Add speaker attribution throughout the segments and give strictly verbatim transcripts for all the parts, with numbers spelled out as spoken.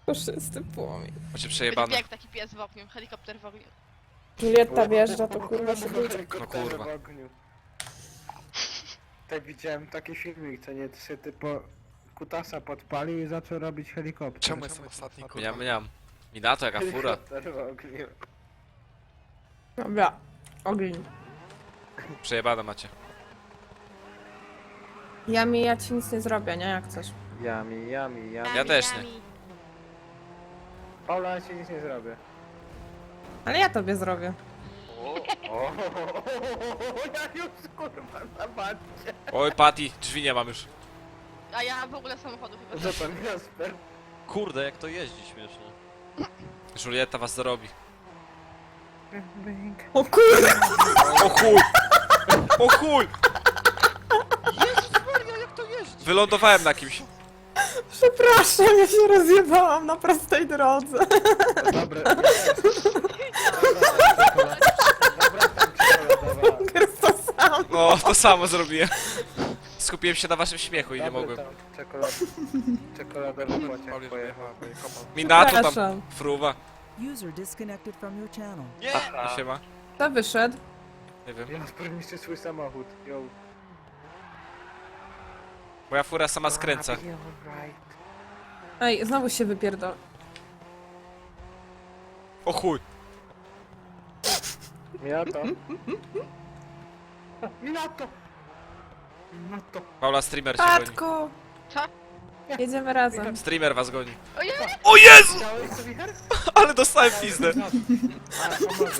Speaker 1: Puszysty płomień.
Speaker 2: Macie przejebane.
Speaker 3: Jak taki pies w ogniu, helikopter w ogniu.
Speaker 1: Julietta wjeżdża, to kurwa się budzi.
Speaker 2: No kurwa.
Speaker 4: w ogniu. Tak widziałem taki filmik, co nie trzy typo kutasa podpalił i zaczął robić helikopter.
Speaker 5: Czemu jestem ostatni, kurwa?
Speaker 2: Miam, miam. Minato, jaka fura.
Speaker 4: Helikopter w ogniu.
Speaker 1: Dobra, ogień.
Speaker 2: Przejebane macie.
Speaker 1: Ja mi, ja ci nic nie zrobię, nie? Jak chcesz.
Speaker 4: Jami, jami, jami.
Speaker 2: Ja też nie.
Speaker 4: Paula, ja ci nic nie zrobię.
Speaker 1: Ale ja tobie zrobię.
Speaker 4: O, ja już kurwa na bacie.
Speaker 2: Oj, Patty, drzwi nie mam już.
Speaker 3: A ja w ogóle samochodu chyba.
Speaker 4: Co pan Jasper?
Speaker 6: Kurde, jak to jeździ śmiesznie.
Speaker 2: Julietta was zarobi.
Speaker 1: O kurwa!
Speaker 2: O chuj! O chuj!
Speaker 6: Maria, jak to jeździ?
Speaker 2: Wylądowałem na kimś.
Speaker 1: Przepraszam, ja się rozjebałam na prostej drodze.
Speaker 4: Dobre. Dobra, tam czekoladowa.
Speaker 1: Jest to sam.
Speaker 2: No, to samo zrobiłem. Skupiłem się na waszym śmiechu i nie
Speaker 4: Dobry
Speaker 2: mogłem.
Speaker 4: tam Czekolad... Czekoladowy pociąg pojechał.
Speaker 2: Minato tam,
Speaker 1: Przepraszam.
Speaker 2: fruwa.
Speaker 7: User disconnected from your channel.
Speaker 6: Nie!
Speaker 2: No się ma.
Speaker 1: Kto wyszedł?
Speaker 2: Nie wiem.
Speaker 4: Jasper niszczy swój samochód. Yo.
Speaker 2: Moja fura sama skręca.
Speaker 4: You're right.
Speaker 1: Ej, znowu się wypierdol.
Speaker 2: O chuj!
Speaker 4: Minato. Minato! Minato.
Speaker 2: Paula, streamer cię goni.
Speaker 1: Patku!
Speaker 3: Co?
Speaker 1: Jedziemy razem.
Speaker 2: Streamer was goni.
Speaker 3: Ojej!
Speaker 2: O Jezu!
Speaker 4: Chciałeś to wicher?
Speaker 2: Ale dostałem pizdę.
Speaker 4: A, pomoże.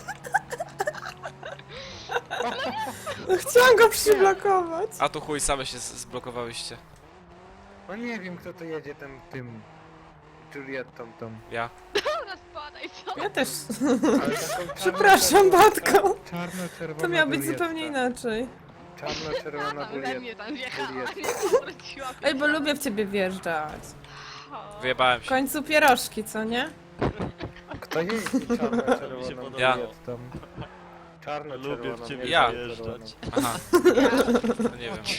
Speaker 1: No, chciałam go przyblokować.
Speaker 2: A tu chuj, same się z- zblokowałyście.
Speaker 4: No nie wiem kto to jedzie tym, tym... Juliettą tą.
Speaker 2: Ja.
Speaker 3: Dobra, spadaj, co?
Speaker 1: Ja też.
Speaker 4: Ale taką
Speaker 1: Przepraszam,
Speaker 4: czarno-czerwoną-
Speaker 1: Batko.
Speaker 4: Czarno-czerwona
Speaker 1: To miało być
Speaker 4: Julietta.
Speaker 1: zupełnie inaczej.
Speaker 4: Czarno-czerwona
Speaker 3: We mnie
Speaker 4: Julietta.
Speaker 3: tam wjechała,
Speaker 4: Julietta.
Speaker 3: nie powróciła.
Speaker 1: Ej, bo lubię w ciebie wjeżdżać.
Speaker 2: Wyjebałem
Speaker 1: W
Speaker 2: się.
Speaker 1: końcu pierożki, co nie?
Speaker 4: Kto jeździ czarno-czerwoną
Speaker 6: Mi się podoba.
Speaker 2: Ja.
Speaker 4: Juliettą? Czarno-czerwoną.
Speaker 6: Lubię w ciebie
Speaker 4: nie
Speaker 2: Ja.
Speaker 4: czarno-czerwoną.
Speaker 6: wjeżdżać.
Speaker 2: Aha. To nie wiem.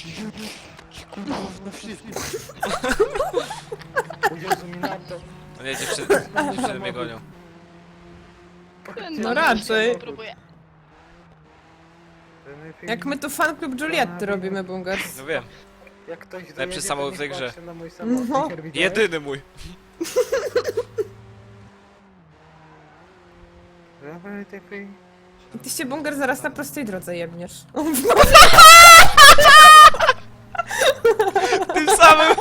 Speaker 4: O Jezu, Minato.
Speaker 2: No nie, dziewczyny, dziewczyny mnie gonią.
Speaker 1: No raczej.
Speaker 3: Próbuję.
Speaker 1: Jak my tu fan klub Julietty robimy, Bungers.
Speaker 2: No wiem.
Speaker 4: Jak ktoś
Speaker 2: Lepszy
Speaker 4: dojedzie,
Speaker 2: samochód
Speaker 4: to
Speaker 2: w tej
Speaker 4: niech
Speaker 2: grze.
Speaker 4: patrzy na mój samochód.
Speaker 1: No.
Speaker 4: Wicher, widziałeś?
Speaker 2: Jedyny mój.
Speaker 4: Dawaj, ty free.
Speaker 1: I ty się, Bunger, zaraz na prostej drodze jebniesz.
Speaker 2: Tym samym,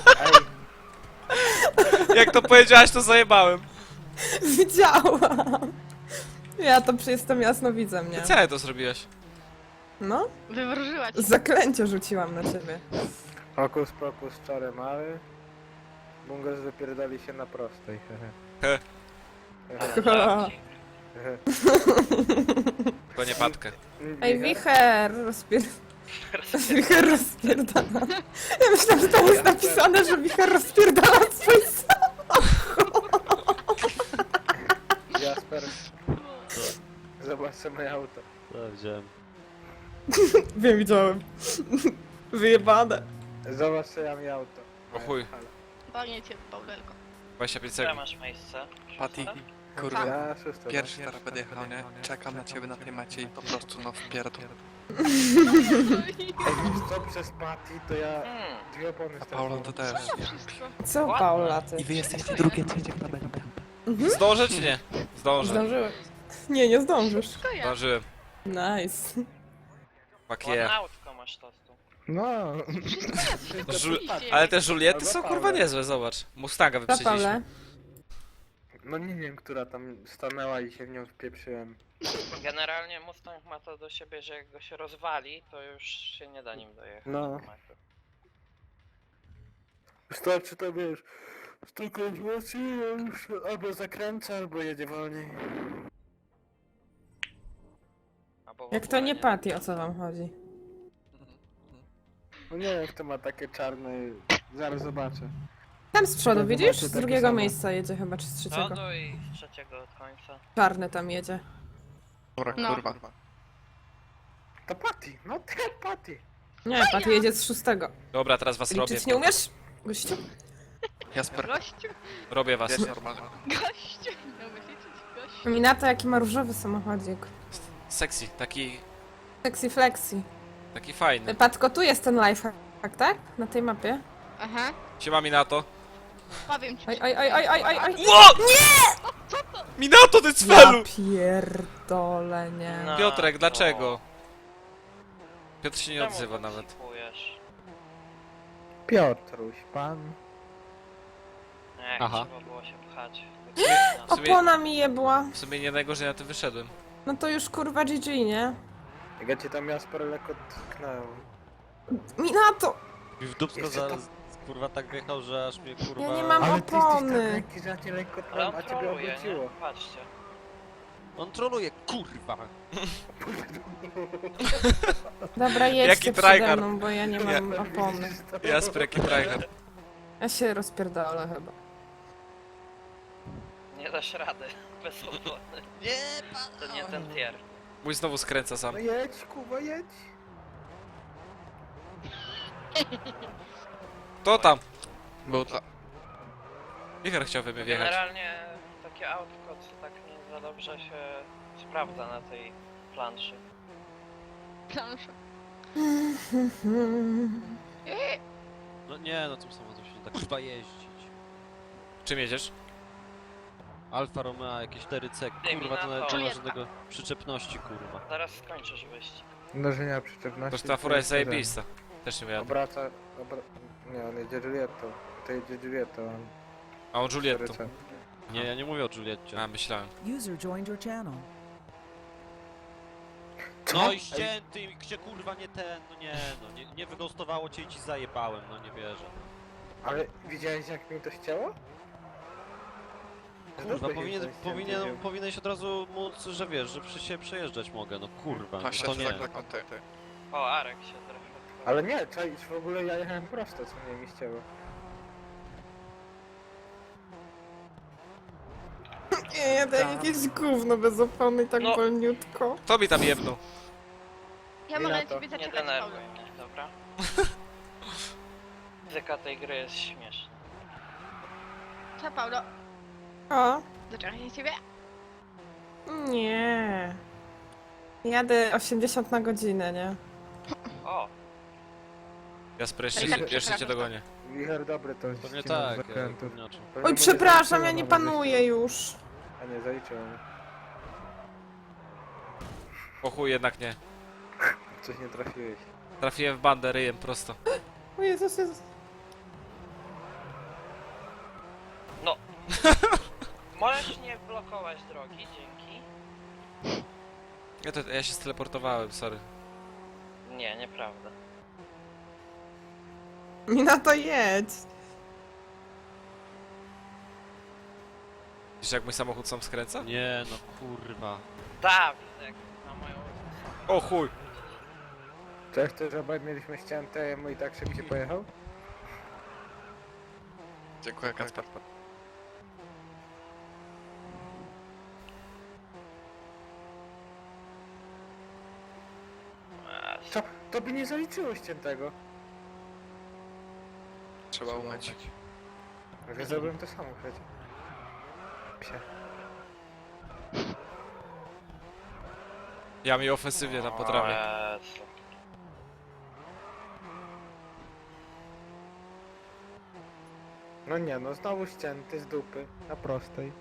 Speaker 4: Ej,
Speaker 2: jak to powiedziałaś, to zajebałem.
Speaker 1: Widziałam. Ja to przy- jestem jasnowidzem, nie?
Speaker 2: Co ja to zrobiłaś?
Speaker 1: No,
Speaker 3: Wywróżyła cię.
Speaker 1: zaklęcie rzuciłam na ciebie.
Speaker 4: Hokus pokus, czary mały. Bungos wypierdali się na prostej. hehe.
Speaker 2: He.
Speaker 4: Hehe. Hehe.
Speaker 2: Tylko nie patkę.
Speaker 1: Ej, wicher, rozpier... Wicher rozpierdala. Ja myślałam, że tam jest napisane, że wicher rozpierdala swój samochód.
Speaker 4: Jasper. Zobacz sobie moje auto.
Speaker 6: To wziąłem.
Speaker 1: Wiem, widziałem. Wyjebane.
Speaker 4: Zobacz sobie ja mi auto.
Speaker 2: O chuj.
Speaker 3: Panie cię, Paulelko.
Speaker 2: dwadzieścia pięć
Speaker 8: Gdzie
Speaker 2: sekund.
Speaker 8: masz miejsce?
Speaker 5: Patty,
Speaker 3: Tak.
Speaker 5: kurwa,
Speaker 4: Ja szóste.
Speaker 5: pierwszy teraz będę jechał, nie? Czekam na ciebie na tej macie i po prostu no wpierdol.
Speaker 4: Ej, co przez Patty, to ja
Speaker 8: Hmm.
Speaker 4: dwie opony
Speaker 5: A Paula to
Speaker 4: straciłem.
Speaker 5: też.
Speaker 3: Wszystko.
Speaker 1: Co, Paula, ty?
Speaker 5: I wy jesteście drugie, trzecie w tabelce.
Speaker 2: Zdążę czy nie? Zdążę.
Speaker 1: Zdążyłeś. Nie, nie zdążysz.
Speaker 3: Wszystko ja.
Speaker 2: Zdążyłem.
Speaker 1: Nice.
Speaker 2: Fuck
Speaker 8: Ładne
Speaker 2: yeah.
Speaker 8: autko masz tostu.
Speaker 4: No.
Speaker 2: No, żu-
Speaker 3: Oczywiście.
Speaker 2: ale te Juliety
Speaker 4: Albo
Speaker 2: są
Speaker 4: Paweł.
Speaker 2: kurwa niezłe, zobacz. Mustanga
Speaker 1: Co,
Speaker 2: wyprzedziliśmy.
Speaker 1: Paule?
Speaker 4: No nie wiem, która tam stanęła i się w nią wpieprzyłem.
Speaker 8: Generalnie Mustang ma to do siebie, że jak go się rozwali, to już się nie da nim dojechać.
Speaker 4: No. Wystarczy to wiesz, stukać mocniej, już albo zakręca, albo jedzie wolniej.
Speaker 8: Albo w
Speaker 1: Jak to
Speaker 8: ogóle
Speaker 1: nie Patty, o co wam chodzi?
Speaker 4: No nie wiem, kto ma takie czarne, zaraz zobaczę.
Speaker 1: Tam z przodu,
Speaker 4: Ja
Speaker 1: widzisz?
Speaker 4: zobaczę
Speaker 1: Z
Speaker 4: takie
Speaker 1: drugiego
Speaker 4: samo.
Speaker 1: miejsca jedzie chyba, czy z
Speaker 8: Z
Speaker 1: trzeciego.
Speaker 8: przodu i z trzeciego od końca.
Speaker 1: Czarny tam jedzie.
Speaker 5: Dobra,
Speaker 3: No.
Speaker 5: kurwa.
Speaker 4: To Patty, no te Patty.
Speaker 1: Nie, Patty jedzie z szóstego.
Speaker 2: Dobra, teraz was robię.
Speaker 1: Liczyć nie umiesz? Gościu?
Speaker 5: Jasper,
Speaker 3: Gościu,
Speaker 2: Robię was.
Speaker 5: jest normalny.
Speaker 3: gościu. Nie umiesz liczyć, gościu.
Speaker 1: Minato, jaki ma różowy samochodzik.
Speaker 2: Sexy, taki,
Speaker 1: Sexy flexi.
Speaker 2: taki fajny.
Speaker 1: Patko, tu jest ten lifehack, tak? Na tej mapie.
Speaker 3: Aha,
Speaker 2: Siema Minato.
Speaker 3: powiem ci.
Speaker 1: Oj, oj, oj, oj, oj, oj, oj.
Speaker 2: Ło! Nie! Minato, ty cfelu!
Speaker 1: Ja pierdolę, nie.
Speaker 8: No,
Speaker 2: Piotrek,
Speaker 8: to-
Speaker 2: dlaczego? Piotr się nie
Speaker 8: Czemu
Speaker 2: odzywa nawet.
Speaker 8: podsypujesz?
Speaker 4: Piotruś, pan.
Speaker 8: Nie,
Speaker 2: Aha.
Speaker 8: trzeba było się pchać.
Speaker 2: W sumie,
Speaker 1: Opona mi jebła.
Speaker 2: w sumie nie najgorzej na tym wyszedłem.
Speaker 1: No to już kurwa G G, nie?
Speaker 4: Jak ja cię tam Jasper lekko tknąłem.
Speaker 1: Minato!
Speaker 6: I w dupsko
Speaker 4: Jeszcze
Speaker 6: zaraz, kurwa, tak wjechał, że aż mnie, kurwa...
Speaker 1: Ja nie mam-
Speaker 4: Ale ty jesteś
Speaker 1: opony.
Speaker 4: tak lekki, że ja cię lekko
Speaker 8: Ale
Speaker 4: tknąłem,
Speaker 8: on
Speaker 4: a ciebie
Speaker 8: troluje, nie?
Speaker 4: obróciło.
Speaker 8: Patrzcie.
Speaker 6: On troluje, kurwa!
Speaker 1: Dobra,
Speaker 2: Jaki
Speaker 1: jedźcie przede
Speaker 2: tryhard.
Speaker 1: mną, bo ja nie mam opony.
Speaker 2: Jasper, jaki tryhard.
Speaker 1: Ja się rozpierdolę chyba.
Speaker 8: Nie dasz rady. Bez opony.
Speaker 6: Nie,
Speaker 8: To nie ten tier.
Speaker 2: Mój znowu skręca sam.
Speaker 4: No jedź, Kuba, jedź.
Speaker 2: To tam.
Speaker 5: Był dla...
Speaker 2: Wicher chciał we mnie wjechać.
Speaker 8: Generalnie takie autko, co tak nie za dobrze się sprawdza na tej planszy.
Speaker 3: Plansza.
Speaker 6: No nie, no tym samochodem się nie da kurwa jeździć.
Speaker 2: Czym jedziesz?
Speaker 6: Alfa Romeo, jakieś cztery C, kurwa, to nawet nie ma żadnego przyczepności, kurwa.
Speaker 8: Zaraz skończysz wyścig.
Speaker 4: Mnożenia przyczepności.
Speaker 2: To ta fura jest zajebista. Też nie
Speaker 4: ten.
Speaker 2: wiem.
Speaker 4: Obraca... Obra... Nie, on jedzie Julietto. To jedzie Julietto, on...
Speaker 2: A on Julietto.
Speaker 4: cztery C.
Speaker 6: Nie, ja nie mówię o Julietcie.
Speaker 2: A, myślałem.
Speaker 7: User joined your channel.
Speaker 6: No i ścięty, i gdzie kurwa nie ten, no nie, no nie, nie wygostowało cię i ci zajebałem, no nie wierzę.
Speaker 4: Ale widziałeś jak mi to ścięło?
Speaker 6: Kurwa,
Speaker 4: Dobrze się
Speaker 6: powinien,
Speaker 4: ten ścięty
Speaker 6: powinien,
Speaker 4: wziął.
Speaker 6: powinieneś od razu móc, że wiesz, że przy się przejeżdżać mogę, no kurwa, no
Speaker 5: Właśnie,
Speaker 6: to
Speaker 5: to
Speaker 6: nie.
Speaker 5: tak na konty.
Speaker 8: O, Arek się trochę...
Speaker 4: Ale nie, czaisz, w ogóle ja jechałem prosto, co mnie mi ścięło.
Speaker 1: Nie, jadę jak jakieś gówno bez opony, tak
Speaker 8: No.
Speaker 1: wolniutko.
Speaker 2: To mi tam jebnął.
Speaker 3: Ja mogę na
Speaker 4: Minato.
Speaker 3: ciebie
Speaker 8: Nie
Speaker 3: zaczekać,
Speaker 8: denerwuj
Speaker 3: Paweł.
Speaker 8: mnie, dobra? Muzyka tej gry jest śmieszna.
Speaker 3: Co, Paulo?
Speaker 1: O,
Speaker 3: Zaczekaj na ciebie?
Speaker 1: nie. Jadę osiemdziesiąt na godzinę, nie?
Speaker 8: O,
Speaker 2: Jasper, jeszcze,
Speaker 3: Tak,
Speaker 2: cię-
Speaker 3: tak,
Speaker 2: jeszcze cię
Speaker 3: przepraszam.
Speaker 2: dogonię.
Speaker 4: Wicher dobry to
Speaker 6: To nie
Speaker 4: ścinał z
Speaker 6: tak, ja
Speaker 4: zakrętów.
Speaker 6: inaczej.
Speaker 4: Pewnie
Speaker 1: Oj,
Speaker 4: mu
Speaker 1: przepraszam,
Speaker 4: zaliczyło
Speaker 1: ja nie
Speaker 4: nawet
Speaker 1: panuję
Speaker 4: wyścig.
Speaker 1: już.
Speaker 4: A nie, zaliczyło mi.
Speaker 2: O chuj, jednak nie.
Speaker 4: Coś nie trafiłeś.
Speaker 2: Trafiłem w bandę ryjem prosto.
Speaker 1: O Jezus, Jezus.
Speaker 8: możesz nie blokować drogi, dzięki.
Speaker 2: Ja, to, ja się steleportowałem, sorry.
Speaker 8: Nie, nieprawda.
Speaker 1: Minato, jedź.
Speaker 2: Wiesz jak mój samochód sam skręca?
Speaker 6: Nie, no kurwa.
Speaker 8: Dawidek, na moją...
Speaker 2: O chuj.
Speaker 4: Cześć, to że mieliśmy ścięte, mój tak szybciej pojechał?
Speaker 5: Dziękuję, Kasper.
Speaker 8: Eee,
Speaker 4: Co? To by nie zaliczyło ściętego.
Speaker 5: Trzeba umyć.
Speaker 4: Ja zrobiłem to samo przecież. Psie.
Speaker 2: Ja mi ofensywnie tam potrafię.
Speaker 8: O Jezu.
Speaker 4: No nie, no znowu ścięty z dupy. Na prostej.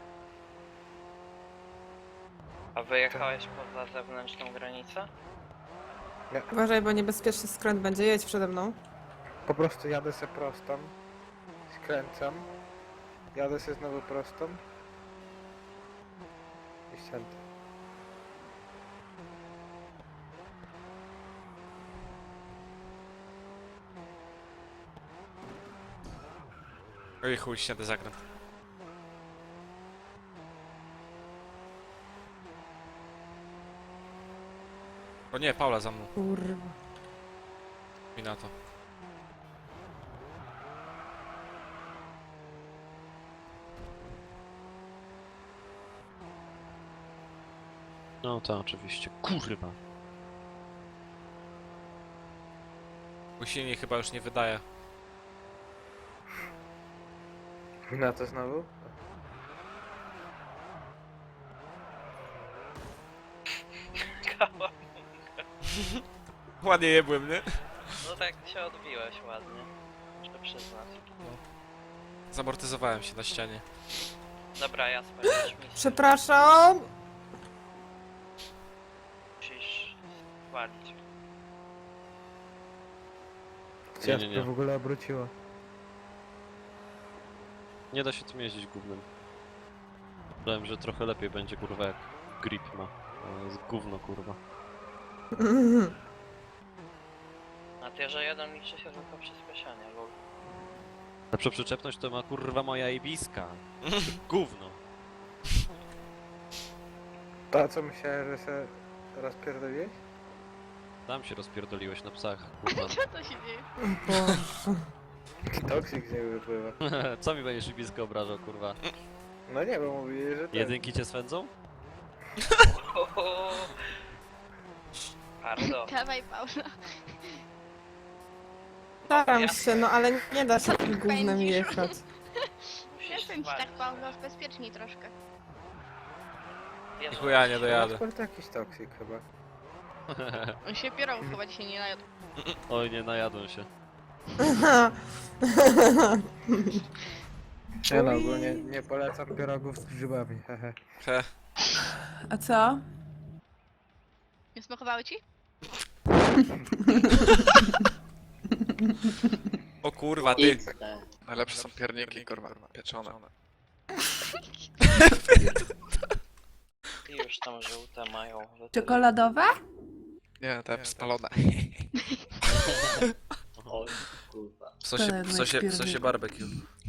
Speaker 8: A wyjechałeś poza zewnętrzną granicę?
Speaker 1: Uważaj, bo niebezpieczny skręt będzie. Jedź przede mną.
Speaker 4: Po prostu jadę se prostą. Skręcam. Jadę se znowu prostą. I ścięty.
Speaker 2: Oj chuj, śniady zakręt. O nie, Paula za mną.
Speaker 1: Kurwa.
Speaker 2: Mi na to.
Speaker 6: No to oczywiście, kurwa.
Speaker 2: Mój silnik chyba już nie wydaje.
Speaker 4: Na to znowu?
Speaker 8: Kała.
Speaker 2: Ładnie jebłem, nie?
Speaker 8: No tak się odbiłeś ładnie. Muszę przyznać.
Speaker 2: Zamortyzowałem się na ścianie.
Speaker 8: Dobra, ja spełnić misję.
Speaker 1: Przepraszam.
Speaker 8: Musisz walić.
Speaker 6: Nie, nie, nie.
Speaker 4: w ogóle obróciło.
Speaker 6: Nie da się tym jeździć gównem. Myślałem, że trochę lepiej będzie kurwa jak grip ma. To jest gówno kurwa.
Speaker 8: Na tierze jeden liczy się tylko przyspieszenie, lol.
Speaker 6: Lepszą przyczepność to ma kurwa moja ibiska. Gówno.
Speaker 4: To co myślałem, że się rozpierdoliłeś?
Speaker 6: Tam się rozpierdoliłeś na psach, kurwa.
Speaker 3: Co to się dzieje?
Speaker 1: Boże.
Speaker 4: Toksik z niego wypływa.
Speaker 6: Co mi będziesz ibiskę obrażał, kurwa?
Speaker 4: No nie, bo mówili, że tak.
Speaker 6: Jedynki cię swędzą?
Speaker 8: Ohoho. Bardzo.
Speaker 3: Dawaj, Paula.
Speaker 1: Staram się, no ale nie da się tym gównem
Speaker 3: Pędzisz.
Speaker 1: jechać.
Speaker 8: Musisz
Speaker 3: Jestem ci tak,
Speaker 8: walić.
Speaker 3: Paula, bezpieczniej troszkę.
Speaker 8: Jezu,
Speaker 2: Chuja nie dojadę.
Speaker 4: Transport jakiś toksik chyba.
Speaker 3: On się pierogów chyba dzisiaj nie najadł.
Speaker 6: Oj, nie najadłem się.
Speaker 4: Ja no ogólnie nie polecam pierogów z grzybami, hehe.
Speaker 2: He.
Speaker 1: A co?
Speaker 3: Nie smakowały ci?
Speaker 2: O kurwa, ty.
Speaker 5: Najlepsze są pierniki, kurwa, pieczone.
Speaker 8: I już tam żółte mają.
Speaker 1: Czekoladowe?
Speaker 5: Nie, te spalone.
Speaker 2: W sosie, w sosie, w sosie barbecue.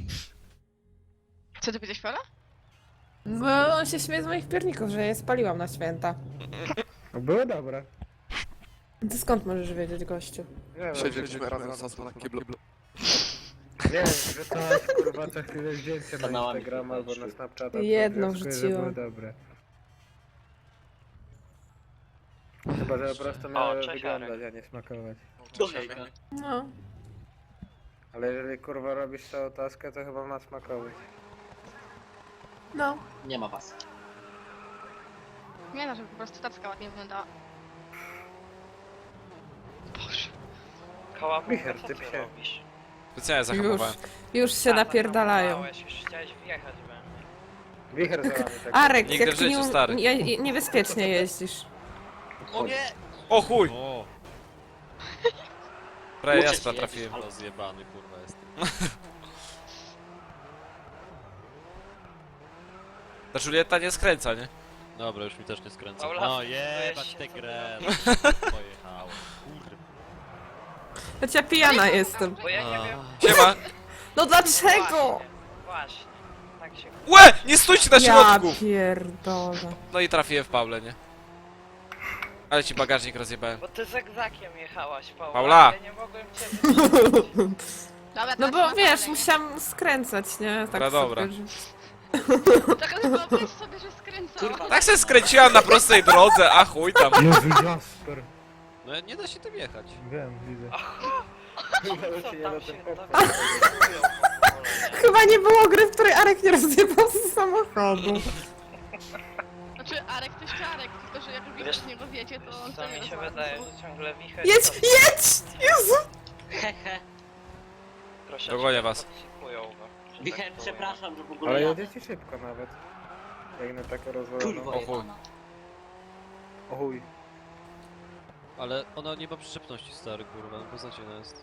Speaker 3: Co ty powiedziałeś, Paula?
Speaker 1: Bo on się śmieje z moich pierników, że je spaliłam na święta.
Speaker 4: No były dobre.
Speaker 1: Ty skąd możesz wiedzieć, gościu?
Speaker 4: Nie wiem,
Speaker 5: Siedzieliśmy razem z na kiblu.
Speaker 4: nie wiem, że to kurwa co chwilę zdjęcie na Instagrama albo na Snapchata. to
Speaker 1: Jedno
Speaker 4: wnioskuję, że
Speaker 1: wrzuciłam.
Speaker 4: były dobre. Chyba, że po prostu miały
Speaker 8: cześć,
Speaker 4: wyglądać,
Speaker 8: Arek.
Speaker 4: a nie smakować.
Speaker 1: No.
Speaker 4: Ale jeżeli kurwa robisz całą taskę, to chyba ma smakować.
Speaker 1: No.
Speaker 9: Nie ma was.
Speaker 3: Nie no, żeby po prostu tacka ładnie wyglądała. Boże.
Speaker 8: Kałabunka,
Speaker 4: Wicher,
Speaker 8: co
Speaker 4: ty
Speaker 8: ty
Speaker 4: psie.
Speaker 8: robisz?
Speaker 2: Specjalnie
Speaker 1: Już,
Speaker 2: zahamowałem.
Speaker 1: już się
Speaker 8: A,
Speaker 1: napierdalają.
Speaker 8: zahamowałeś, Już chciałeś wjechać we mnie.
Speaker 4: Wicher za wami tak.
Speaker 1: Arek,
Speaker 2: Nigdy
Speaker 1: jak
Speaker 2: w
Speaker 1: ty
Speaker 2: życiu,
Speaker 1: nie,
Speaker 2: stary.
Speaker 1: nie, niebezpiecznie jeździsz.
Speaker 6: O nie!
Speaker 2: O chuj!
Speaker 6: O!
Speaker 2: Prawie
Speaker 9: Uciec
Speaker 2: jaspra
Speaker 9: jedziesz,
Speaker 2: trafiłem.
Speaker 6: Ale zjebany kurwa jestem.
Speaker 2: Ta Julieta nie skręca, nie?
Speaker 6: Dobra, już mi też nie skręca.
Speaker 8: Paula,
Speaker 6: No
Speaker 8: weź
Speaker 6: jebać
Speaker 8: się
Speaker 6: tę
Speaker 8: co
Speaker 6: grę.
Speaker 8: ty
Speaker 6: Pojechałem. Kurwa.
Speaker 1: Choć ja pijana jestem.
Speaker 8: Bo ja nie wiem.
Speaker 2: Siema!
Speaker 1: No dlaczego?
Speaker 8: Właśnie, właśnie. Tak się...
Speaker 2: Łe! Nie stójcie na
Speaker 1: Ja
Speaker 2: środku!
Speaker 1: pierdolę.
Speaker 2: No i trafiłem w Paulę, nie? Ale ci bagażnik rozjebałem.
Speaker 8: Bo ty zegzakiem jechałaś, Paula.
Speaker 2: Paula!
Speaker 8: Ja nie mogłem cię wyprzedzić.
Speaker 3: Dobra,
Speaker 1: No
Speaker 3: teraz
Speaker 1: bo
Speaker 3: na
Speaker 1: wiesz,
Speaker 3: Paulę,
Speaker 1: musiałam skręcać, nie? Tak
Speaker 2: Dobra, dobra.
Speaker 1: sobie, że-
Speaker 3: nie? Tak, ale wyobraź sobie, że skręcała.
Speaker 9: Kurwa.
Speaker 2: Tak się skręciłam na prostej drodze, a chuj tam.
Speaker 4: Jezu, Jasper.
Speaker 6: No nie da się tym jechać.
Speaker 4: Wiem, widzę.
Speaker 8: Co
Speaker 4: Co
Speaker 8: tam się
Speaker 4: popchać.
Speaker 8: dowiadują w ogóle, nie?
Speaker 1: Chyba nie było gry, w której Arek nie rozjebał z samochodu.
Speaker 3: Znaczy, Arek to jeszcze Arek, tylko że jak już
Speaker 8: Wiesz-
Speaker 3: z niego wiecie, to on
Speaker 8: Co
Speaker 3: to
Speaker 8: mi
Speaker 3: nie
Speaker 8: się
Speaker 3: rozwala.
Speaker 8: wydaje, że ciągle wicher...
Speaker 1: Jedź,
Speaker 8: to
Speaker 1: jedź! Jezu!
Speaker 9: Hehe.
Speaker 8: troszeczkę
Speaker 2: Dogonię was.
Speaker 8: toksikują go, że tak
Speaker 9: Wicher,
Speaker 8: powiem.
Speaker 9: przepraszam, że w ogóle
Speaker 4: Ale
Speaker 9: jadę.
Speaker 4: jedziecie szybko nawet. Jak na taką
Speaker 9: Kurwa
Speaker 4: rozwaloną.
Speaker 2: chuj.
Speaker 9: jebana.
Speaker 4: O chuj.
Speaker 6: Ale ona nie ma przyczepności, stary, kurwa, beznadziejna jest.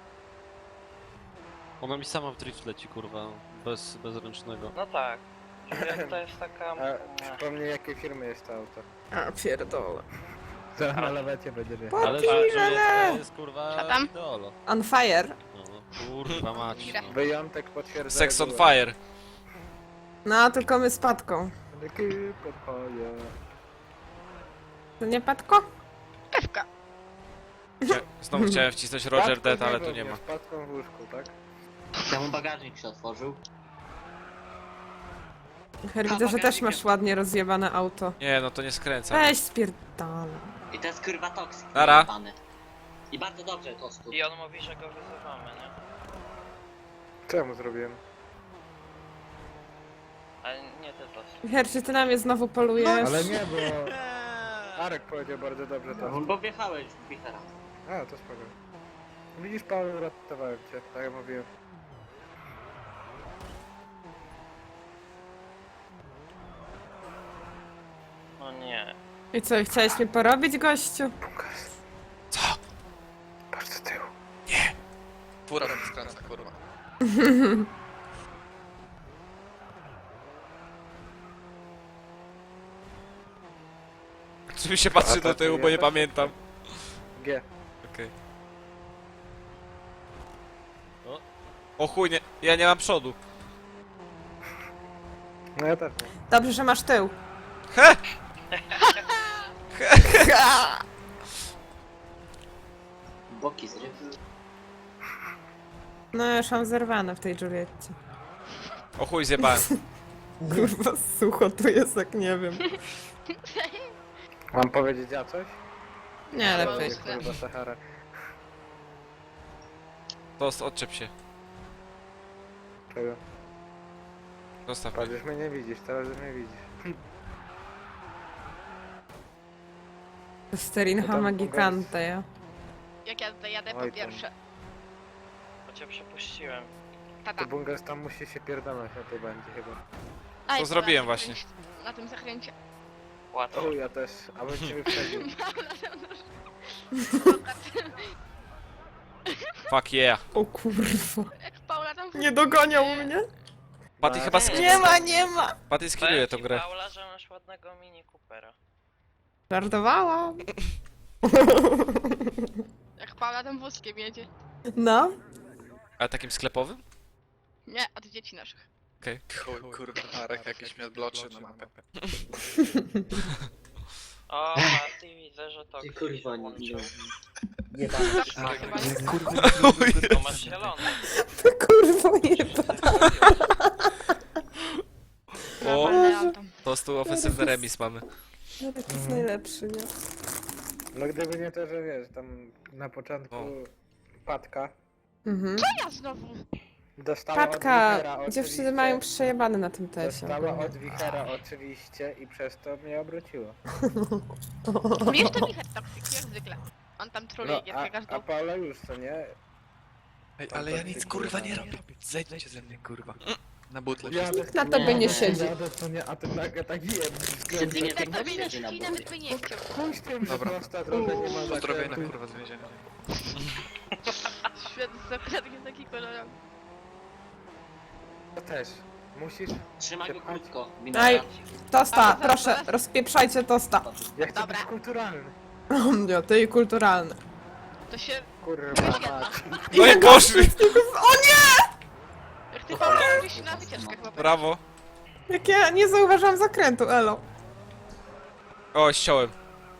Speaker 6: Ona mi sama w drift leci, kurwa, bez, bez ręcznego.
Speaker 8: No tak. Juliet to jest taka...
Speaker 4: A przypomnij jakiej firmy jest to auto.
Speaker 1: A pierdolę.
Speaker 4: Zaraz na lawecie będzie jechał.
Speaker 6: Ale
Speaker 1: Podpij
Speaker 6: Julieta
Speaker 1: żelę!
Speaker 6: jest, kurwa,
Speaker 3: Co tam?
Speaker 6: idolo.
Speaker 1: On fire.
Speaker 6: No, no, kurwa mać, no.
Speaker 4: Wyjątek potwierdza.
Speaker 2: Sex on
Speaker 4: regułę.
Speaker 2: fire.
Speaker 1: No, tylko my z Patką.
Speaker 4: Taki podpoje.
Speaker 1: To nie Patko?
Speaker 3: Pewka.
Speaker 2: Chcia- Znowu chciałem wcisnąć Roger Dead, ale tu nie ma.
Speaker 4: Z patką w łóżku, tak?
Speaker 9: Temu bagażnik się otworzył.
Speaker 1: Her, widzę, że też masz ładnie rozjebane auto.
Speaker 2: Nie, no to nie skręca.
Speaker 1: Weź spierdolę.
Speaker 9: I to jest kurwa toksyk.
Speaker 2: Nara.
Speaker 9: jebany. I bardzo dobrze to stu.
Speaker 8: I on mówi, że go wyzywamy, nie?
Speaker 4: Co ja mu zrobiłem?
Speaker 8: Ale nie ty to.
Speaker 1: Wicher, czy ty na mnie znowu polujesz?
Speaker 4: Ale nie, bo Arek powiedział bardzo dobrze to.
Speaker 9: No, bo wjechałeś w wichera.
Speaker 4: A, to spoko. Widzisz, Paweł, ratowałem cię, tak jak mówiłem.
Speaker 8: No nie.
Speaker 1: I co, chciałeś mnie porobić, gościu?
Speaker 4: Bunkers.
Speaker 2: Co?
Speaker 4: Patrz do tyłu.
Speaker 5: Fura tam skręca, kurwa.
Speaker 2: Czy mi się patrzy
Speaker 4: A to
Speaker 2: do tyłu,
Speaker 4: ty
Speaker 2: bo nie
Speaker 4: jesteś?
Speaker 2: pamiętam.
Speaker 4: G.
Speaker 2: Okej.
Speaker 6: O.
Speaker 2: O chuj, nie, ja nie mam przodu.
Speaker 4: No ja też nie.
Speaker 1: Dobrze, że masz tył.
Speaker 2: He!
Speaker 9: Boki zryw.
Speaker 1: No już mam zerwane w tej Julietcie.
Speaker 2: O chuj, zjebałem.
Speaker 1: Kurwa, sucho tu jest, jak nie wiem.
Speaker 4: Mam powiedzieć ja coś?
Speaker 1: Nie, lepiej.
Speaker 3: Myślę.
Speaker 4: Kurwa, Sahara.
Speaker 2: Tost, odczep się.
Speaker 4: Czego?
Speaker 2: Zostaw
Speaker 4: Patrz,
Speaker 2: mnie.
Speaker 4: już mnie nie widzisz, teraz już mnie widzisz.
Speaker 1: Sterinha
Speaker 4: tam
Speaker 1: magikante, ja.
Speaker 3: Jak ja tutaj jadę po
Speaker 4: Oj, tam.
Speaker 3: pierwsze.
Speaker 8: Bo cię przepuściłem.
Speaker 3: Tata.
Speaker 4: To Bunkers tam musi się pierdolać na tej bandzie chyba.
Speaker 3: Aj,
Speaker 2: To zrobiłem
Speaker 3: na
Speaker 2: właśnie.
Speaker 3: zakręcie- Na tym zakręcie.
Speaker 8: Łatwo.
Speaker 4: O, ja też, a bym cię wyprzedził.
Speaker 2: Fuck yeah.
Speaker 1: O kurwa.
Speaker 3: Jak Paula tam
Speaker 1: Nie dogoniał mnie?
Speaker 2: Patty
Speaker 4: No,
Speaker 2: chyba
Speaker 8: nie.
Speaker 2: sk-
Speaker 1: Nie ma, nie ma.
Speaker 2: Patty skilluje tą
Speaker 8: Powiem ci,
Speaker 2: grę.
Speaker 8: Paula, że masz ładnego mini Coopera.
Speaker 1: Żartowałam.
Speaker 3: Jak Paula tam wózkiem jedzie.
Speaker 1: No.
Speaker 2: Ale takim sklepowym?
Speaker 3: Nie, od dzieci naszych.
Speaker 5: Chuj, kurwa, Arek jakiś mnie bloczy na mapę.
Speaker 8: O, Patty, widzę, że to
Speaker 9: Ty kurwa, nie, nie,
Speaker 8: włączył.
Speaker 9: nie
Speaker 3: Arek,
Speaker 9: chyba
Speaker 3: nie.
Speaker 5: Kurwa,
Speaker 8: To masz zielony.
Speaker 1: To kurwa jeba.
Speaker 2: O,
Speaker 3: Normalne auto.
Speaker 2: tostu ofensywny remis mamy.
Speaker 1: No taki jest najlepszy, nie?
Speaker 4: No gdyby nie to, że wiesz, tam na początku
Speaker 2: O.
Speaker 4: Patka
Speaker 1: Mhm.
Speaker 3: Ja znowu.
Speaker 4: dostała od
Speaker 1: Patka,
Speaker 4: Wichera
Speaker 1: dziewczyny
Speaker 4: oczywiście.
Speaker 1: mają przejebane na tym tesie.
Speaker 4: Dostała od Wichera oczywiście i przez to mnie obróciło.
Speaker 3: Wiesz, to Michał toksyk, jak zwykle. On tam troluje
Speaker 4: No, a,
Speaker 3: no, każdą...
Speaker 4: a Paula już, co nie?
Speaker 5: Ej, ale ja nic kurwa nie robię. Zejdźcie ze mnie, kurwa. Na butle.
Speaker 4: Jadę,
Speaker 1: Na tobie nie siedzi.
Speaker 4: Jadę, co nie, a ten nagle tak jeb.
Speaker 9: Wtedy nie
Speaker 3: Tak,
Speaker 9: tak
Speaker 3: to
Speaker 9: siedzi na
Speaker 3: by
Speaker 9: butle.
Speaker 3: nie chciał.
Speaker 4: Chuj z tym, że
Speaker 5: Dobra.
Speaker 4: prosta droga nie ma
Speaker 5: Pozdrowienia,
Speaker 4: zakrętu.
Speaker 5: kurwa, z więzienia.
Speaker 3: Świetny zakradnie taki kolorowy.
Speaker 4: To też. Musisz...
Speaker 9: Trzymaj go krótko.
Speaker 1: Aj.
Speaker 9: Minora.
Speaker 1: Tosta,
Speaker 3: A,
Speaker 1: proszę,
Speaker 3: zaraz.
Speaker 1: rozpieprzajcie tosta.
Speaker 4: Ja chcę
Speaker 3: Dobra.
Speaker 4: być kulturalny.
Speaker 1: Ja, ty i kulturalny.
Speaker 3: To się...
Speaker 4: Kurwa mać.
Speaker 2: No i poszli!
Speaker 1: O nie!
Speaker 3: Jak ty Paula robisz się na wycieczkach po
Speaker 2: Brawo.
Speaker 1: Jak ja nie zauważyłam zakrętu, elo.
Speaker 2: O, ściąłem.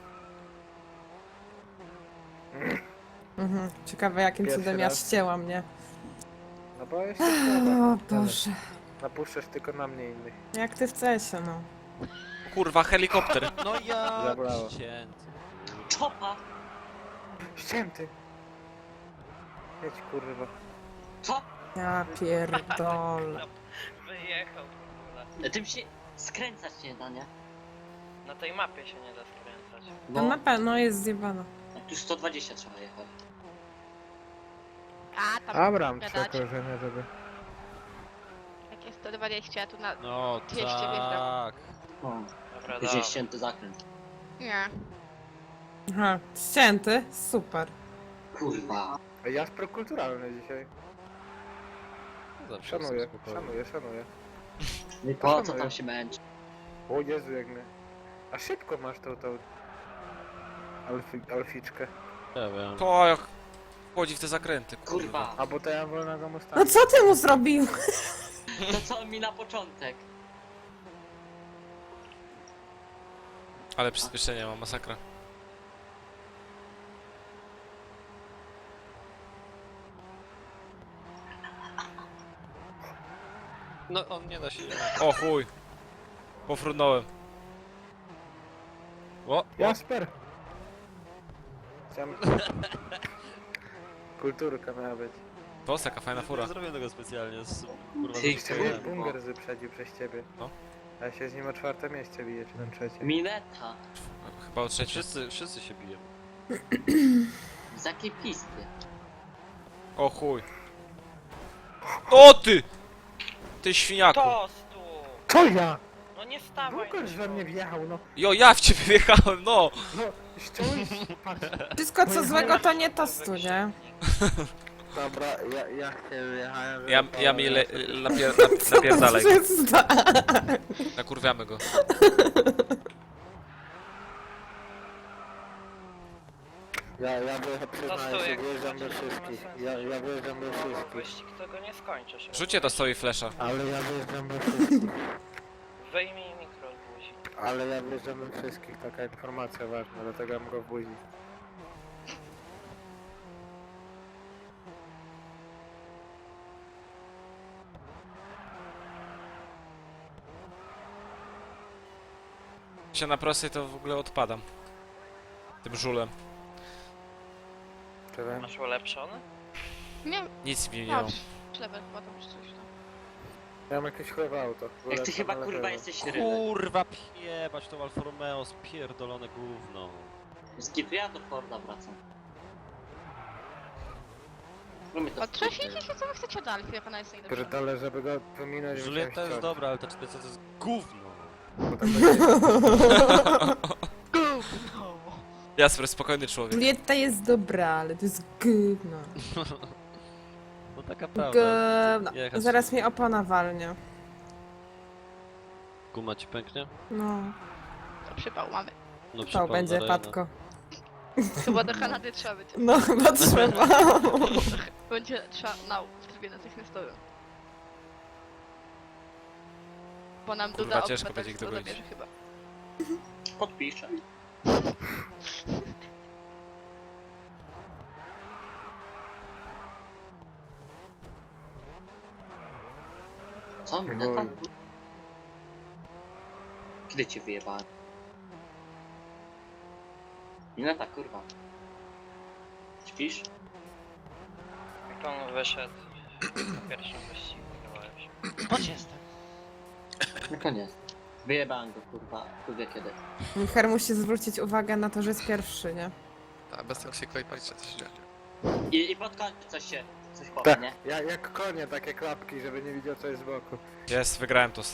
Speaker 1: Mhm. Ciekawe jakim
Speaker 4: Pierwszy
Speaker 1: cudem ja
Speaker 4: raz.
Speaker 1: ścięłam, nie?
Speaker 4: No bo jeszcze
Speaker 1: O
Speaker 4: słaba.
Speaker 1: Boże.
Speaker 4: Napuszczasz tylko na mnie innych.
Speaker 1: Jak ty w cesie, no.
Speaker 2: Kurwa, helikopter.
Speaker 6: No ja...
Speaker 4: Zabrało.
Speaker 6: Cięty.
Speaker 9: Czopa!
Speaker 4: Ścięty. Jedź kurwa.
Speaker 9: Co?
Speaker 1: Ja pierdolę.
Speaker 8: Wyjechał. kurde.
Speaker 9: Tym się skręcać nie da, nie?
Speaker 8: Na tej mapie się nie da skręcać.
Speaker 1: No na pewno jest zjebana.
Speaker 9: Tu sto dwadzieścia trzeba jechać.
Speaker 3: A, tam
Speaker 4: Abram
Speaker 3: gadać.
Speaker 4: przekorzenia, żeby...
Speaker 3: Jak jest sto dwadzieścia, a tu na...
Speaker 6: No
Speaker 3: dwieście
Speaker 6: tak.
Speaker 9: O,
Speaker 8: Dobra,
Speaker 9: później
Speaker 8: dobra.
Speaker 9: ścięty zakręt.
Speaker 3: Nie.
Speaker 1: Aha, ścięty? Super.
Speaker 9: Kurwa.
Speaker 4: A ja prokulturalny dzisiaj.
Speaker 6: Zawsze
Speaker 4: Szanuję,
Speaker 6: jestem spokojny.
Speaker 4: szanuję, szanuję.
Speaker 9: No i po co
Speaker 4: Szanuję.
Speaker 9: tam się męczy?
Speaker 4: O Jezu, jak mnie... A szybko masz tą, tą... Alfi, alficzkę.
Speaker 6: Ja wiem.
Speaker 2: To jak wchodzi w te zakręty, kurwa.
Speaker 9: Kurwa.
Speaker 4: A bo to ja wolnego Mustanga.
Speaker 1: No co ty mu zrobił?
Speaker 9: To co mi na początek?
Speaker 2: Ale przyspieszenie ma, masakra.
Speaker 6: No on nie da się...
Speaker 2: O chuj. Pofrunąłem. O,
Speaker 4: Jasper! Chciałem... Kulturka miała być.
Speaker 2: Tos, jaka fajna fura.
Speaker 6: Nie zrobię tego specjalnie, z, kurwa,
Speaker 9: Ty,
Speaker 6: zaskakowałem.
Speaker 9: kurwa.
Speaker 4: Bunger wyprzedził przez ciebie.
Speaker 2: No.
Speaker 4: A ja się z nim o czwarte miejsce biję, czy tam trzecie.
Speaker 9: Mineta.
Speaker 2: Chyba o trzecie.
Speaker 6: Wszyscy, wszyscy się biją.
Speaker 9: Z jakiej pisty?
Speaker 2: O chuj. O ty! Ty świniaku.
Speaker 8: Tostu!
Speaker 4: Co ja?
Speaker 8: No nie stawaj.
Speaker 4: Bunger we mnie wjechał, no.
Speaker 2: Jo, ja w ciebie wjechałem, no!
Speaker 4: No, ściąłeś, patrz.
Speaker 1: Wszystko co złego to nie tostu, nie?
Speaker 4: Dobra, ja, ja się wjechałem.
Speaker 2: Ja, ja mi le, napier, nap, napierdalaj go.
Speaker 1: Przestań.
Speaker 2: Nakurwiamy go.
Speaker 4: Ja, ja wyjechałem, przyznaję
Speaker 8: Tostu,
Speaker 4: się,
Speaker 8: jak
Speaker 4: wyjeżdżam do
Speaker 8: będzie, to ma
Speaker 4: wszystkich.
Speaker 8: sensu.
Speaker 4: Ja, ja wyjeżdżam do wszystkich.
Speaker 8: Wyścig tego nie skończysz.
Speaker 2: Rzućcie to stoi flesza.
Speaker 4: Ale ja wyjeżdżam do wszystkich.
Speaker 8: Wyjmij mikro z buzi.
Speaker 4: Ale ja wyjeżdżam do wszystkich, taka informacja ważna, dlatego ja mogę w buzi.
Speaker 2: Się na prostej to w ogóle odpadam. Tym żulem.
Speaker 4: Czy wiem?
Speaker 8: Masz ulepszony?
Speaker 3: Nie,
Speaker 2: Nic mi nie
Speaker 3: no,
Speaker 2: miał.
Speaker 3: level chyba tam czy coś tam.
Speaker 4: Ja mam jakieś chore auto.
Speaker 9: Jak ty
Speaker 4: Ulepszam,
Speaker 9: chyba
Speaker 4: ale
Speaker 9: kurwa
Speaker 4: było.
Speaker 9: jesteś rybem.
Speaker 6: Kurwa, piebać to Alfa Romeo, spierdolone gówno.
Speaker 9: Z kitu ja do Forda wracam. Lubię to
Speaker 3: A co się dzieje, co wy chcecie od Alfy, jak ona jest najlepsza?
Speaker 4: Pierdolę, żeby go pominąć.
Speaker 6: Julieta jest dobra, ale ta czterysta to jest gówno.
Speaker 2: Jasper, spokojny człowiek.
Speaker 1: Julieta jest dobra, ale to jest gówno.
Speaker 6: No taka prawda.
Speaker 1: Gówno.
Speaker 6: Jechać.
Speaker 1: Zaraz mnie opona walnie.
Speaker 6: Guma ci pęknie?
Speaker 1: No,
Speaker 3: To przypał mamy.
Speaker 6: No
Speaker 1: to
Speaker 6: przypał
Speaker 1: będzie
Speaker 6: na Rejna.
Speaker 1: patko.
Speaker 3: Chyba do Kanady trzeba być.
Speaker 1: No chyba trzeba.
Speaker 3: Będzie trzeba nał w trybie natychmiastowym. Bo nam
Speaker 2: Kurwa,
Speaker 3: doda
Speaker 2: ciężko będzie ich
Speaker 3: obywatelstwo
Speaker 2: dogonić.
Speaker 3: zabierze chyba.
Speaker 9: podpiszę. Co? Mineta? Kiedy cię wyjebałem? Mineta, kurwa. Śpisz?
Speaker 8: Jak on wyszedł na pierwszym wyścigu, chyba już.
Speaker 9: Chodź jestem. No koniec. Wyjebałem go, kurwa. Tu wie kiedy.
Speaker 1: Michał musi zwrócić uwagę na to, że jest pierwszy, nie?
Speaker 5: Tak, bez toksiko i patrzcie co się dzieje.
Speaker 9: I, i pod koniec coś się... coś powie,
Speaker 4: Tak,
Speaker 9: nie?
Speaker 4: ja, jak konie, takie klapki, żeby nie widział co jest z boku.
Speaker 2: Jest, wygrałem to.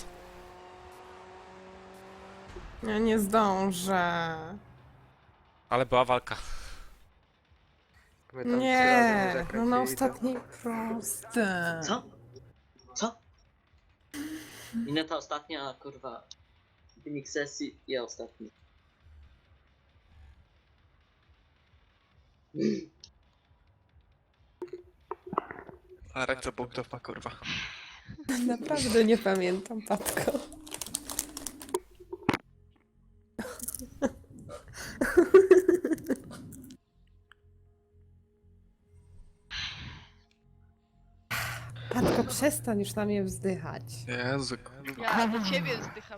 Speaker 1: Ja nie zdążę.
Speaker 2: Ale była walka.
Speaker 4: My tam trzy razy
Speaker 1: Nie, no
Speaker 4: zakręcili,
Speaker 1: na
Speaker 4: to-
Speaker 1: ostatniej proste.
Speaker 9: Co? Co? Mineta ostatnia, kurwa. Wynik sesji, ja ostatni.
Speaker 5: A rektor punktów ma kurwa.
Speaker 1: Naprawdę nie pamiętam, Patko. Patko, przestań już na mnie wzdychać.
Speaker 5: Jezu, kurwa.
Speaker 3: Ja do ciebie wzdycham.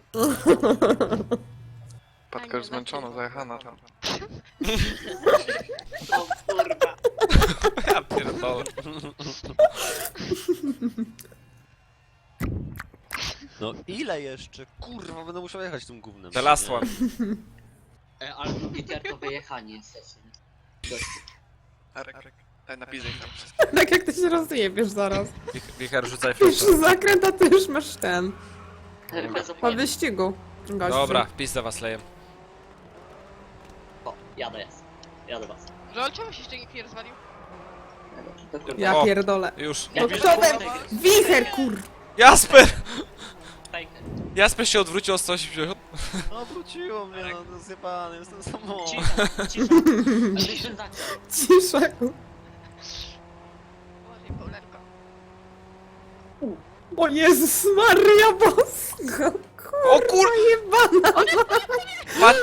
Speaker 5: Patka już zmęczona, zajechana tam.
Speaker 9: O kurwa.
Speaker 2: Ja pierdolę.
Speaker 6: No ile jeszcze? Kurwa, będę musiał jechać tym gównem.
Speaker 2: The last one.
Speaker 9: E, ale drugi tier to wyjechanie sesji. Gościu.
Speaker 5: Arek, Arek. Daj napisaj tam wszystko.
Speaker 1: Tak jak ty się rozjebiesz zaraz.
Speaker 2: Wich- Wicher, rzucaj
Speaker 1: Pierwszy
Speaker 2: flesza.
Speaker 1: zakręt, a ty już masz ten.
Speaker 9: Bez
Speaker 1: Po
Speaker 9: opłat.
Speaker 1: wyścigu. Gościu.
Speaker 2: Dobra, wpis za was lejem.
Speaker 9: O, jadę jest. Jadę was.
Speaker 3: Żol, czemu się jeszcze nikt nie rozwalił?
Speaker 9: To kurwa.
Speaker 1: Ja
Speaker 2: O.
Speaker 1: pierdolę.
Speaker 2: Już.
Speaker 9: Ja
Speaker 1: No
Speaker 9: wiem,
Speaker 1: kto
Speaker 9: że
Speaker 1: we...
Speaker 9: to jest
Speaker 1: Wicher, kur...
Speaker 2: Jasper!
Speaker 9: fake.
Speaker 2: Jasper się odwrócił o sto osiemdziesiąt.
Speaker 6: No wróciło mnie, no to zjebany, jestem samotny.
Speaker 9: Cisza, cisza. Byliśmy za...
Speaker 1: Cisza.
Speaker 3: Uważaj, Paulerko.
Speaker 1: O Jezus Maria Bosko.
Speaker 2: O kur...
Speaker 1: Jebana.
Speaker 2: Pat...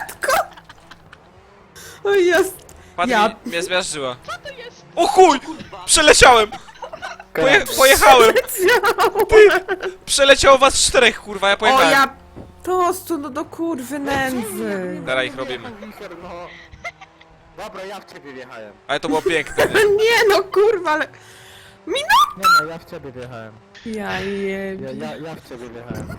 Speaker 1: O jest.
Speaker 2: Pat
Speaker 1: Ja-
Speaker 2: mi, mnie zmiażdżyła.
Speaker 3: Co to jest?
Speaker 2: O chuj! Przeleciałem! Poje, pojechałem! Przeleciało was czterech, kurwa, ja
Speaker 1: O
Speaker 2: pojechałem.
Speaker 1: ja... Tostu, no do kurwy nędzy.
Speaker 2: Teraz ich robimy.
Speaker 4: Wicher, no. Dobra, ja w ciebie wjechałem.
Speaker 2: Ale to było piękne, nie?
Speaker 1: Nie no kurwa, ale...
Speaker 4: Nie no, ja w ciebie wjechałem.
Speaker 1: Ja
Speaker 4: Ja,
Speaker 1: jebie.
Speaker 4: ja, ja w ciebie wjechałem.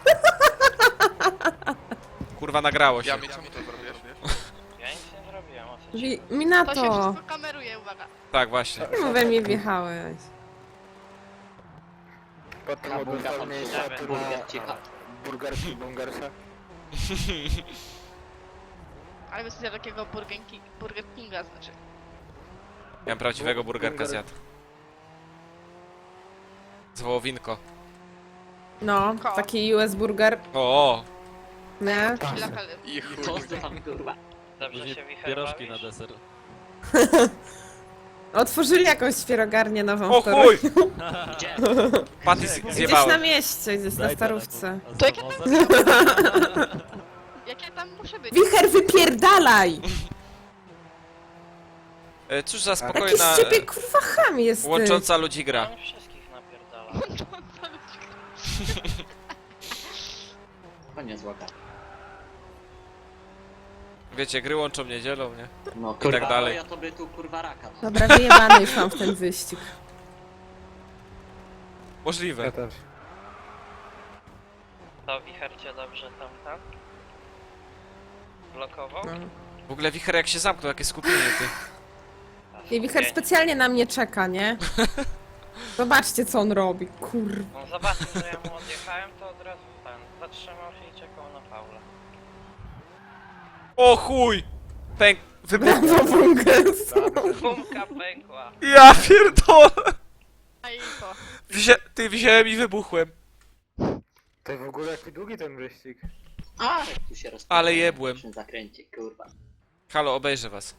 Speaker 2: Kurwa, nagrało się.
Speaker 5: Ja mi czemu to zrobiłeś?
Speaker 8: Ja nic nie zrobiłem, o co ci?
Speaker 1: Wi-
Speaker 3: To się
Speaker 1: Minato!
Speaker 3: wszystko kameruje, uwaga.
Speaker 2: Tak, właśnie.
Speaker 1: Czemu we mnie wjechałeś?
Speaker 4: Potem
Speaker 9: Na bunga
Speaker 4: ogólnie
Speaker 9: tam
Speaker 4: mniejsza
Speaker 9: siedziałem,
Speaker 4: tu
Speaker 9: burger
Speaker 4: na
Speaker 9: cicha.
Speaker 4: burgerki bungersa.
Speaker 3: Ale bym sobie takiego Burger, King, Burger Kinga znaczy.
Speaker 2: Ja prawdziwego burgerka
Speaker 4: Burger-
Speaker 2: zjadł. Z wołowinko.
Speaker 1: No,
Speaker 3: Ko.
Speaker 1: taki U S burger.
Speaker 2: O,
Speaker 1: Nie?
Speaker 3: Kila kaly.
Speaker 5: I chuj.
Speaker 9: Tosty tam kurwa.
Speaker 8: Dobrze
Speaker 6: Później
Speaker 8: się wicher
Speaker 6: pierożki na
Speaker 8: bawisz?
Speaker 6: deser.
Speaker 1: Otworzyli jakąś świerogarnię nową
Speaker 2: o
Speaker 1: w Toruniu.
Speaker 2: chuj!
Speaker 9: Gdzie?
Speaker 2: Paty z-
Speaker 1: Gdzieś na
Speaker 2: zjebałem.
Speaker 1: mieście, gdzieś na starówce.
Speaker 3: To jakie tam... Jak ja tam muszę być?
Speaker 1: Wicher, wypierdalaj!
Speaker 2: E, Cóż za
Speaker 1: Jaki
Speaker 2: spokojna,
Speaker 1: z ciebie
Speaker 2: e,
Speaker 1: kurwa ham jesteś.
Speaker 2: łącząca ludzi gra.
Speaker 8: On wszystkich napierdala.
Speaker 9: To nie złota.
Speaker 2: Wiecie, gry łączą niedzielą, nie?
Speaker 9: No kurwa,
Speaker 2: tak dalej.
Speaker 9: ja to by tu kurwa raka. No.
Speaker 1: Dobra, wyjebany już mam w ten wyścig.
Speaker 2: Możliwe.
Speaker 4: Ja też.
Speaker 8: To wicher cię dobrze tam, tam? Blokował?
Speaker 1: No.
Speaker 2: W ogóle wicher jak się zamknął, jakie skupienie ty.
Speaker 8: A,
Speaker 1: I Wicher
Speaker 8: skupienie.
Speaker 1: specjalnie na mnie czeka, nie? Zobaczcie co on robi, kurwa.
Speaker 8: On zobaczył, że ja mu odjechałem, to od razu ten zatrzymał się i czekał na Paula.
Speaker 2: O chuj! Pęk... Wybuch...
Speaker 1: Brawo, Bungers.
Speaker 8: Bumka pękła.
Speaker 2: Ja pierdolę!
Speaker 3: A i to.
Speaker 2: Wzię... Ty wziąłem i wybuchłem.
Speaker 4: To w ogóle jaki długi ten wyścig.
Speaker 9: A, jak tu się rozpędza.
Speaker 2: Ale jebłem.
Speaker 9: W tym zakręcie, kurwa.
Speaker 2: Halo, obejrzę was.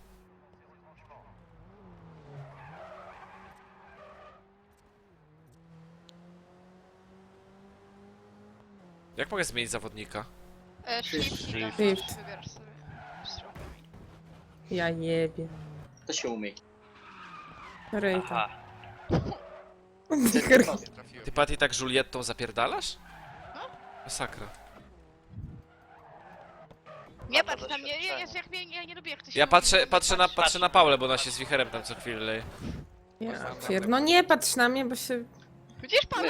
Speaker 2: Jak mogę zmienić zawodnika?
Speaker 3: E, shift,
Speaker 1: Shift.
Speaker 3: shift. Wybierasz sobie. Strzałkami.
Speaker 1: Ja jebie.
Speaker 9: To się umyj.
Speaker 1: Ryjka.
Speaker 8: Aha.
Speaker 1: Wicher,
Speaker 2: Ty Patty tak Juliettą zapierdalasz?
Speaker 3: No.
Speaker 2: Masakra.
Speaker 3: Nie
Speaker 8: Ma to
Speaker 3: patrz na mnie, nie,
Speaker 8: doświadczenie.
Speaker 3: jest jak mnie, ja nie lubię jak ty się
Speaker 2: Ja
Speaker 3: mówi,
Speaker 2: patrzę,
Speaker 3: bo mnie
Speaker 2: patrzę na,
Speaker 3: patrz.
Speaker 2: patrzę na Paulę, bo ona się z wicherem tam co chwilę leje.
Speaker 1: ja pier... No nie patrz na mnie, bo się...
Speaker 3: Widzisz pan?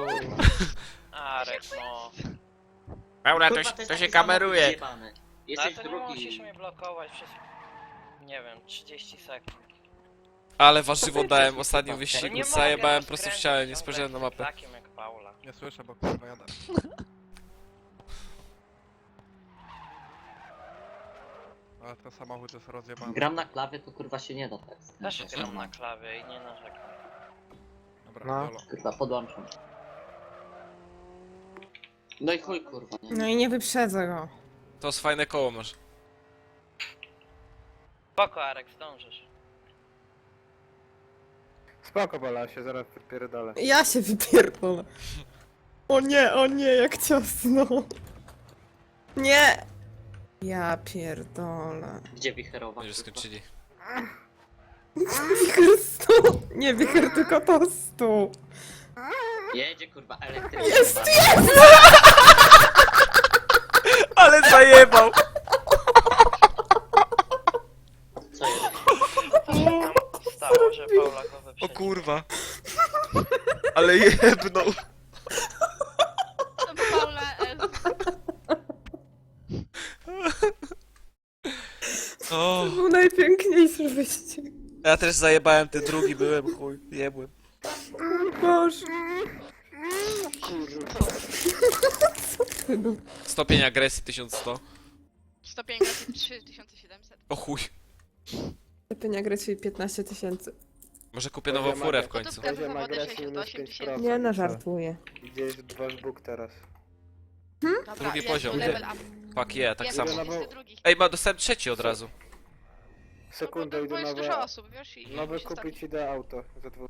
Speaker 8: Arek, no.
Speaker 2: Paula, to,
Speaker 9: Kurwa,
Speaker 2: się-
Speaker 9: jest
Speaker 2: to się
Speaker 9: taki
Speaker 2: kameruje.
Speaker 9: samochód zjebany.
Speaker 8: Ale
Speaker 9: Jesteś
Speaker 8: to nie
Speaker 9: drugi.
Speaker 8: musisz mnie blokować przez... Nie wiem, trzydzieści sekund.
Speaker 2: Ale warzywo dałem w ostatnim
Speaker 8: No
Speaker 2: wyścigu,
Speaker 8: nie
Speaker 2: zajebałem
Speaker 8: mogę
Speaker 2: prosto w
Speaker 8: rozkręcić
Speaker 2: ścianę, nie
Speaker 8: ciągle
Speaker 2: spojrzałem na mapę.
Speaker 8: Takim jak Paula.
Speaker 5: Nie słyszę, bo kurwa jadę. Ale ten samochód jest rozjebany.
Speaker 9: Gram na klawie, to kurwa się nie da tak.
Speaker 8: Też
Speaker 9: To jest
Speaker 8: gram na
Speaker 9: normalne.
Speaker 8: klawie i nie narzekam.
Speaker 5: Dobra,
Speaker 4: No.
Speaker 5: Dolo.
Speaker 9: Kurwa, podłączam. No i chuj kurwa, nie?
Speaker 1: No i nie wyprzedzę go.
Speaker 2: To jest fajne koło masz.
Speaker 8: Spoko, Arek, zdążysz.
Speaker 4: Spoko, Bola, się zaraz wypierdolę.
Speaker 1: Ja się wypierdolę. O nie, o nie, jak ciasno. Nie! Ja pierdolę.
Speaker 9: Gdzie wicherowa?
Speaker 2: Już
Speaker 9: kurwa?
Speaker 2: skończyli.
Speaker 1: Wicher stu! Nie wicher, tylko to stu.
Speaker 9: Jedzie kurwa elektryk.
Speaker 1: Jest,
Speaker 9: kurwa.
Speaker 1: jest!
Speaker 2: Ale zajebał!
Speaker 9: Co jest?
Speaker 8: To się tam stało, że Paula go
Speaker 2: O
Speaker 8: wyprzedziła.
Speaker 2: kurwa. Ale jebnął.
Speaker 3: To by Paula S.
Speaker 2: O,
Speaker 1: To był najpiękniejszy wyścig.
Speaker 2: ja też zajebałem, ten drugi byłem, chuj, jebłem.
Speaker 1: Boże. Co ty no?
Speaker 2: Stopień agresji tysiąc sto.
Speaker 3: Stopień agresji trzy tysiące siedemset.
Speaker 2: O chuj.
Speaker 1: Lepiej agresji piętnaście tysięcy.
Speaker 2: Może kupię nową furę w końcu.
Speaker 3: Gotówka za
Speaker 4: Poziom
Speaker 3: zawody
Speaker 4: agresji
Speaker 3: sześćdziesiąt osiem
Speaker 4: minus pięć procent.
Speaker 3: tysięcy.
Speaker 1: Nie no, żartuję.
Speaker 4: Gdzieś wasz Bóg teraz.
Speaker 3: Dobra,
Speaker 2: Drugi
Speaker 3: jest
Speaker 2: poziom.
Speaker 3: level up.
Speaker 2: Fuck yeah, tak
Speaker 3: Jest
Speaker 2: samo.
Speaker 4: no bo-
Speaker 3: wszyscy drugi.
Speaker 2: Ej, ma dostałem trzeci od razu.
Speaker 3: No bo
Speaker 4: Sekundę,
Speaker 3: to
Speaker 4: idę
Speaker 3: jest dużo
Speaker 4: nowe,
Speaker 3: osób, wiesz? I
Speaker 4: nowe
Speaker 3: się
Speaker 4: kupić, idę auto za dwóch.